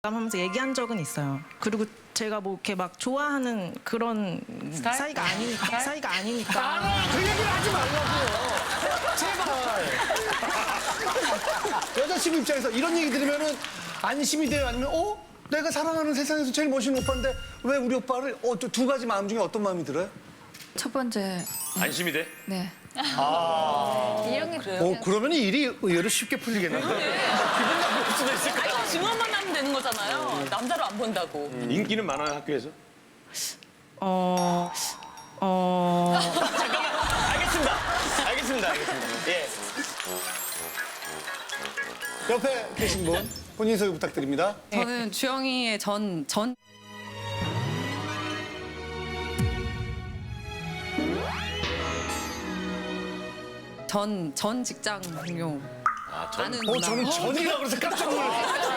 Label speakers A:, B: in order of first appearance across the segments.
A: 하면서 얘기한 적은 있어요. 그리고 제가 뭐 이렇게 막 좋아하는 그런 사이가 아니니까.
B: 그 얘기를 하지 말라고요. 제발. 여자친구 입장에서 이런 얘기 들으면은 안심이 돼요? 아니면 내가 사랑하는 세상에서 제일 멋있는 오빠인데 왜 우리 오빠를 두 가지 마음 중에 어떤 마음이 들어요?
C: 첫 번째,
D: 안심이 돼?
C: 네.
E: 이런 게 그래요?
B: 그러면 일이 의외로 쉽게 풀리겠는데.
D: 기분 나쁠 수도 있을 것 같아.
E: 증언만 하면 되는 거잖아요. 남자로 안 본다고.
D: 인기는 많아요, 학교에서? 알겠습니다. 예.
B: 옆에 계신 분 본인 소개 부탁드립니다.
F: 저는 주영이의 전 직장 동료. 아는 누나.
B: 저는 전이라고 그래서 깜짝 놀랐어요.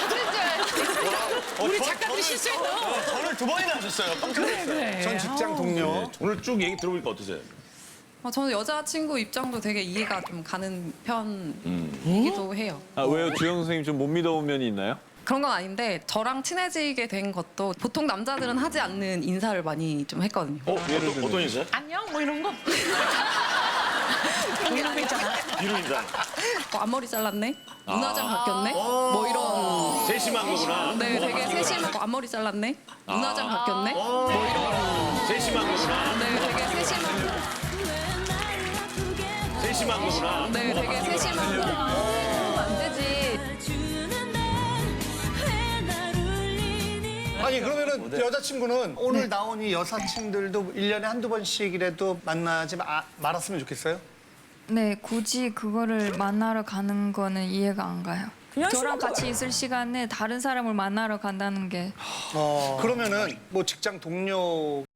E: 우리 작가들이 실수했다.
D: 전을 두 번이나 하셨어요. 뻥쳐냈어요.
B: 전 직장 동료.
D: 오늘 쭉 얘기 들어보니까 어떠세요?
F: 저는 여자친구 입장도 되게 이해가 좀 가는 편이기도 해요.
G: 아, 왜요? 주영 선생님 좀 못 믿어온 면이 있나요?
F: 그런 건 아닌데 저랑 친해지게 된 것도 보통 남자들은 하지 않는 인사를 많이 좀 했거든요.
D: 어떤 인사요?
E: 안녕 뭐 이런 거. 이런 거 있잖아.
D: 뒤로 인사.
F: 앞머리 잘랐네? 눈화장 바뀌었네? 뭐 이런.
D: 세심한 거구나.
F: 네, 되게 세심하고 앞머리 잘랐네? 눈화장 바뀌었네? 뭐 이런.
D: 세심한 거구나.
F: 네, 되게 세심하고.
D: 세심한 거구나.
F: 네, 되게 세심하고. 안 되지.
B: 아니 그러면은 여자친구는 오늘 나온 이 여사친들도 1년에 한두 번씩이라도 만나지 말았으면 좋겠어요?
C: 네, 굳이 그거를 만나러 가는 거는 이해가 안 가요.
E: 그냥
C: 저랑
E: 싫어서
C: 같이 있을 시간에 다른 사람을 만나러 간다는 게
B: 그러면은 뭐 직장 동료